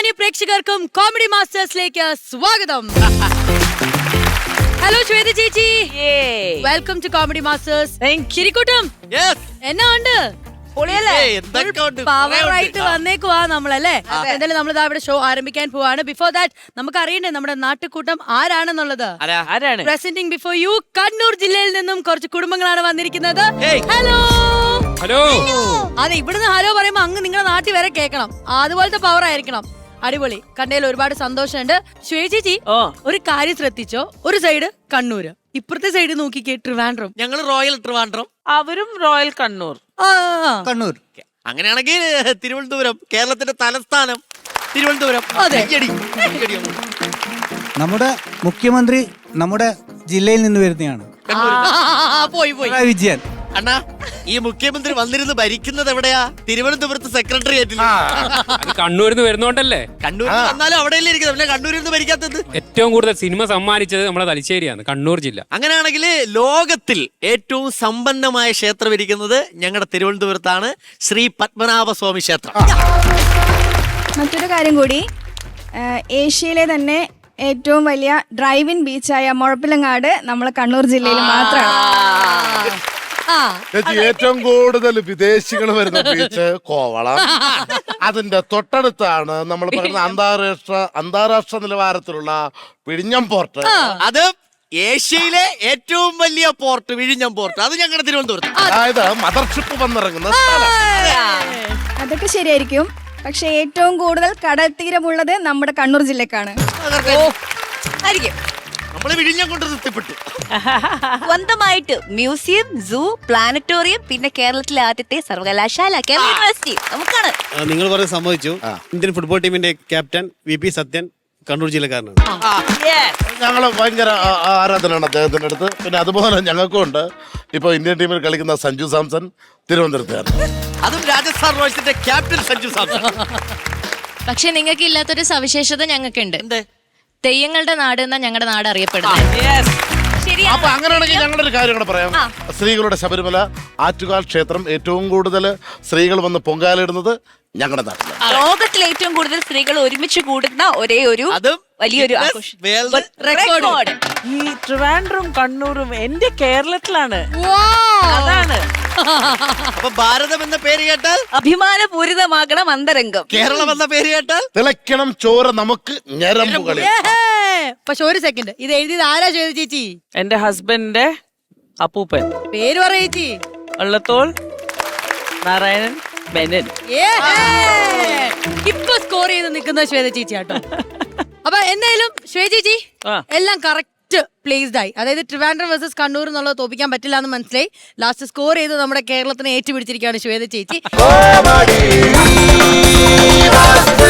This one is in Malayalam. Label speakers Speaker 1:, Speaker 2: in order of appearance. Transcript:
Speaker 1: മാന്യ പ്രേക്ഷകർക്കും കോമഡി മാസ്റ്റേഴ്സിലേക്ക് സ്വാഗതം. ഹലോ ശ്വേത ചേച്ചി, വെൽക്കം ടു കോമഡി മാസ്റ്റേഴ്സ്. ശരിക്കൂട്ടും എന്നാ ഉണ്ട്? പവറായിട്ട് വന്നേക്കുവാ നമ്മളല്ലേ. എന്തായാലും നമ്മൾ ഇവിടെ ഷോ ആരംഭിക്കാൻ പോവാണ്. ബിഫോർ ദാറ്റ് നമുക്ക് അറിയണ്ടേ നമ്മുടെ നാട്ടുകൂട്ടം ആരാണെന്നുള്ളത്. പ്രസന്റിംഗ് ബിഫോർ യു, കണ്ണൂർ ജില്ലയിൽ നിന്നും കുറച്ച് കുടുംബങ്ങളാണ് വന്നിരിക്കുന്നത്. Hello
Speaker 2: hello.
Speaker 1: അതെ, ഇവിടുന്ന് ഹലോ പറയുമ്പോ അങ്ങ് നിങ്ങളുടെ നാട്ടിൽ വരെ കേൾക്കണം. അതുപോലത്തെ പവർ ആയിരിക്കണം. അടിപൊളി. കണ്ടതിൽ ഒരുപാട് സന്തോഷമുണ്ട്. ചേച്ചി ഒരു കാര്യം ശ്രദ്ധിച്ചോ, ഒരു സൈഡ് കണ്ണൂര്, ഇപ്പുറത്തെ സൈഡ് നോക്കിക്കേ ട്രിവാൻഡ്രം.
Speaker 3: ഞങ്ങൾ റോയൽ ട്രിവാൻഡ്രം,
Speaker 4: അവരും റോയൽ കണ്ണൂർ.
Speaker 3: കണ്ണൂർ. അങ്ങനെയാണെങ്കിൽ തിരുവനന്തപുരം, കേരളത്തിന്റെ തലസ്ഥാനം തിരുവനന്തപുരം.
Speaker 5: നമ്മുടെ മുഖ്യമന്ത്രി നമ്മുടെ ജില്ലയിൽ നിന്ന് വരുന്നതാണ്.
Speaker 1: പോയി
Speaker 5: വിജയൻ.
Speaker 3: അണ്ണാ, ഈ മുഖ്യമന്ത്രി വന്നിരുന്ന് ഭരിക്കുന്നത് എവിടെയാ? തിരുവനന്തപുരത്ത് സെക്രട്ടറിയേറ്റിൽ.
Speaker 2: കണ്ണൂരിൽ നിന്ന് വരുന്നോണ്ടല്ലേ?
Speaker 3: കണ്ണൂരിൽ വന്നാലും അവിടെയല്ലേ ഇരിക്കുന്നത്, പിന്നെ കണ്ണൂരിൽ നിന്ന് ഭരിക്കാത്തത്?
Speaker 2: ഏറ്റവും കൂടുതൽ സിനിമ സമ്മാനിച്ചത് നമ്മുടെ തലശ്ശേരിയാണ്, കണ്ണൂർ ജില്ല.
Speaker 3: അങ്ങനെയാണെങ്കിൽ ലോകത്തിൽ ഏറ്റവും സമ്പന്നമായ ക്ഷേത്രം ഇരിക്കുന്നത് ഞങ്ങളുടെ തിരുവനന്തപുരത്താണ്, ശ്രീ പത്മനാഭസ്വാമി ക്ഷേത്രം.
Speaker 6: മറ്റൊരു കാര്യം കൂടി, ഏഷ്യയിലെ തന്നെ ഏറ്റവും വലിയ ഡ്രൈവിൻ ബീച്ചായ മുഴപ്പിലങ്ങാട് നമ്മളെ കണ്ണൂർ ജില്ലയിൽ മാത്രമാണ്.
Speaker 7: ഏറ്റവും കൂടുതൽ വിദേശികൾ വരുന്ന ബീച്ച് കോവളം. അതിന്റെ തൊട്ടടുത്താണ് നമ്മൾ പറയുന്ന അന്താരാഷ്ട്ര നിലവാരത്തിലുള്ള വിഴിഞ്ഞം പോർട്ട്.
Speaker 3: അത് ഏഷ്യയിലെ ഏറ്റവും വലിയ പോർട്ട് വിഴിഞ്ഞം പോർട്ട്, അത് ഞങ്ങളുടെ തിരുവനന്തപുരത്ത്.
Speaker 7: അതായത് മദർഷിപ്പ് വന്നിറങ്ങുന്ന സ്ഥലം.
Speaker 6: അതൊക്കെ ശരിയായിരിക്കും, പക്ഷെ ഏറ്റവും കൂടുതൽ കടൽ തീരമുള്ളത് നമ്മുടെ കണ്ണൂർ ജില്ലക്കാണ്.
Speaker 3: നമ്മള് വിഴിഞ്ഞം കൊണ്ട് തൃപ്തിപ്പെട്ടു.
Speaker 8: സ്വന്തമായിട്ട് മ്യൂസിയം, സൂ, പ്ലാനറ്റോറിയം, പിന്നെ കേരളത്തിലെ ആദ്യത്തെ സർവകലാശാല കേരള യൂണിവേഴ്സിറ്റി നമുക്കാണ്.
Speaker 9: നിങ്ങൾ പറഞ്ഞ് സമ്മതിച്ചു. ഇന്ത്യൻ ഫുട്ബോൾ ടീമിന്റെ ക്യാപ്റ്റൻ VP സത്യൻ കണ്ണൂർ ജില്ലക്കാരനാണ്.
Speaker 7: ഞങ്ങള് ഭയങ്കര ആരാധനയാണ് അദ്ദേഹത്തിന്റെ അടുത്ത്. പിന്നെ അതുപോലെ ഞങ്ങൾക്കും ഉണ്ട്. ഇപ്പൊ ഇന്ത്യൻ ടീമിൽ കളിക്കുന്ന സഞ്ജു സാംസൺ തിരുവനന്തപുരത്തുകാരൻ.
Speaker 3: അതും രാജസ്ഥാൻ റോയൽസിന്റെ ക്യാപ്റ്റൻ സഞ്ജു സാംസൺ.
Speaker 8: പക്ഷെ നിങ്ങൾക്ക് ഇല്ലാത്തൊരു സവിശേഷത ഞങ്ങൾക്കുണ്ട്. തെയ്യങ്ങളുടെ നാട് എന്നാ ഞങ്ങളുടെ നാട് അറിയപ്പെടുന്നത്.
Speaker 7: അപ്പൊ അങ്ങനെയാണെങ്കിൽ ഞങ്ങളുടെ ഒരു കാര്യം കൂടെ പറയാം. സ്ത്രീകളുടെ ശബരിമല ആറ്റുകാൽ ക്ഷേത്രം ഏറ്റവും കൂടുതൽ സ്ത്രീകൾ വന്ന് പൊങ്കാലിടുന്നത് ഞങ്ങളുടെ നാട്ടിലാണ്.
Speaker 8: ലോകത്തിലെ ഏറ്റവും കൂടുതൽ സ്ത്രീകൾ ഒരുമിച്ച് കൂടുന്ന ഒരേ ഒരു വലിയൊരു
Speaker 4: റെക്കോർഡ് ഈ ട്രിവാൻഡ്രം കണ്ണൂരും എന്റെ കേരളത്തിലാണ്. അതാണ്.
Speaker 3: അപ്പൊ ഭാരതം എന്ന പേര് കേട്ടാൽ
Speaker 8: അഭിമാനപൂരിതമാകണം അന്തരംഗം.
Speaker 3: കേരളം എന്ന പേര് കേട്ടാൽ
Speaker 7: തിളയ്ക്കണം ചോര നമുക്ക് ഞരമ്പുകളിൽ.
Speaker 1: പക്ഷെ ഒരു സെക്കൻഡ്, ഇത് എഴുതിയത് ആരാ ചെയ്ത ചേച്ചി?
Speaker 4: എന്റെ ഹസ്ബൻഡിന്റെ അപ്പൂപ്പൻ.
Speaker 1: പേര് പറ ചേച്ചി.
Speaker 4: വള്ളത്തോൾ നാരായണൻ മെനൻ.
Speaker 1: ഇപ്പൊ സ്കോർ ചെയ്ത് നിൽക്കുന്ന ശ്വേത ചേച്ചി ആട്ടോ. അപ്പൊ എന്തായാലും ശ്വേത ചേച്ചി എല്ലാം കറക്റ്റ് പ്ലേസ്ഡ് ആയി. അതായത് ട്രിവാൻഡ്രം വേഴ്സസ് കണ്ണൂർ എന്നുള്ളത് തോപ്പിക്കാൻ പറ്റില്ല എന്ന് മനസ്സിലായി. ലാസ്റ്റ് സ്കോർ ചെയ്ത് നമ്മുടെ കേരളത്തിനെ ഏറ്റുപിടിച്ചിരിക്കുകയാണ് ശ്വേത ചേച്ചി.